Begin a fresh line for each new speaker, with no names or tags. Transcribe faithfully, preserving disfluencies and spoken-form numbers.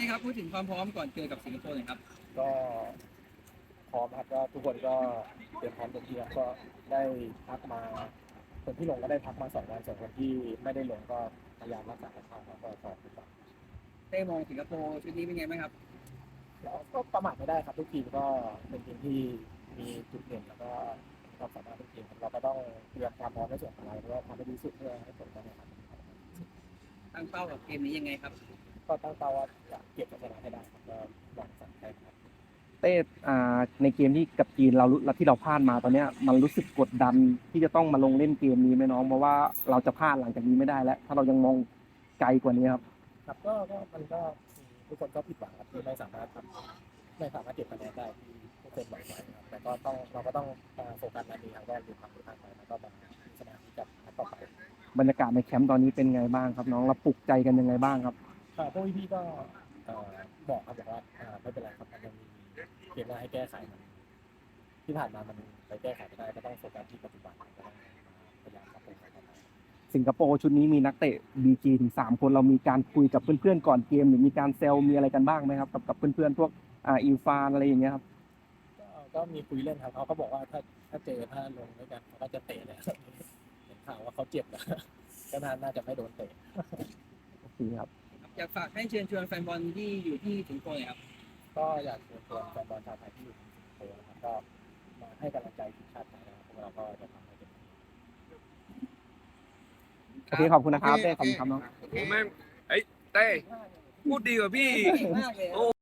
ครับพูดถึงความพร้อมก่อนเจอกับสิงคโปร์หน่อยครับ
ก็พร้อมครับก็ทุกคนก็เตรียมพร้อมเต็มที่ครับก็ได้พักมาคนที่ลงก็ได้พักมาสองวันส่วนคนที่ไม่ได้ลงก็พยายามรักษาสภาพครับก็ซ้อมทุกวัน
เต้มองสิงคโปร์ชุดนี้เป็นไงบ้างครับ
แล้วก็ประมาทไม่ได้ครับทุกทีมก็เป็นทีมที่มีจุดเด่นแล้วก็มีความสามารถทุกทีมเราก็ต้องเตรียมความพร้อมในส่วนของเราแล้วก็ทำให้ดีที่สุดเพื่อให้ผลการแข่งขัน
ตั้งเป้ากับเกมนี้ยังไงครับ
ก็ตั้งเป้าว่าจะเก็บชัยชนะให้ได้ครับก็หวังสั่งได้ครับ
เต้อ่าในเกมที่กับจีนเรารู้ที่เราพลาดมาตอนเนี้ยมันรู้สึกกดดันที่จะต้องมาลงเล่นเกมนี้ไหมน้องเพราะว่าเราจะพลาดหลังจากนี้ไม่ได้แล้วถ้าเรายังมองไกลกว่านี้ครับ
ครับก็ก็มันก็ทุกคนก็ผิดหวังครับที่ไม่สามารถทำไม่สามารถเก็บคะแนนได้ที่ทุกคนหวังไว้ครับแต่ก็ต้องเราก็ต้องโฟกัสในนี้ครับก็ดูความผิดพลาดไปแล้วก็มาพิจารณาที่จะนัดต่อไป
บรรยากาศในแคมป์ตอนนี้เป็นไงบ้างครับน้องเราปลุกใจกันยังไงบ้างครับ
พวกพี่ๆก็บอกครับบอกว่าไม่เป็นไรครับมันยังมีเกมหน้าให้แก้ไขมันที่ผ่านมามันไปแก้ไขไม่ได้ก็ต้องโฟกัสที่ปัจจุบันก็ต้องพยายามปรับปรุงต่อไป
สิงคโปร์ชุดนี้มีนักเตะ บี จี ถึงสามคนเรามีการคุยกับเพื่อนๆก่อนเกมหรือมีการเซลมีอะไรกันบ้างไหมครับกับกับเพื่อนๆพวกอ่าอิลฟานอะไรอย่างเงี้ยครับ
ก็มีคุยเล่นครับเขาก็บอกว่าถ้าถ้าเจอถ้าลงด้วยกันเขาก็จะเตะเลยเห็นข่าวว่าเขาเจ็บนะก็น่าจะไม่โดนเตะ
โอเคครับ
อยากฝากให้เชิญชวนแฟนบอลที่อยู่ที่สิงคโปร์หน่อยครับ
ก็อยากเชิญชวนแฟนบอลชาวไทยที่อยู่ที่สิงคโปร์นะครับก็มาให้กำลังใจทีมชาติไทยนะครับพวกเราก็จะทำให้เต็มที่
โอเคขอบคุณนะครับเต้ขอบคุณครับน้อง
โอ้แม่งเอ้ยเต้พูดดีกว่าพี่
มากเลย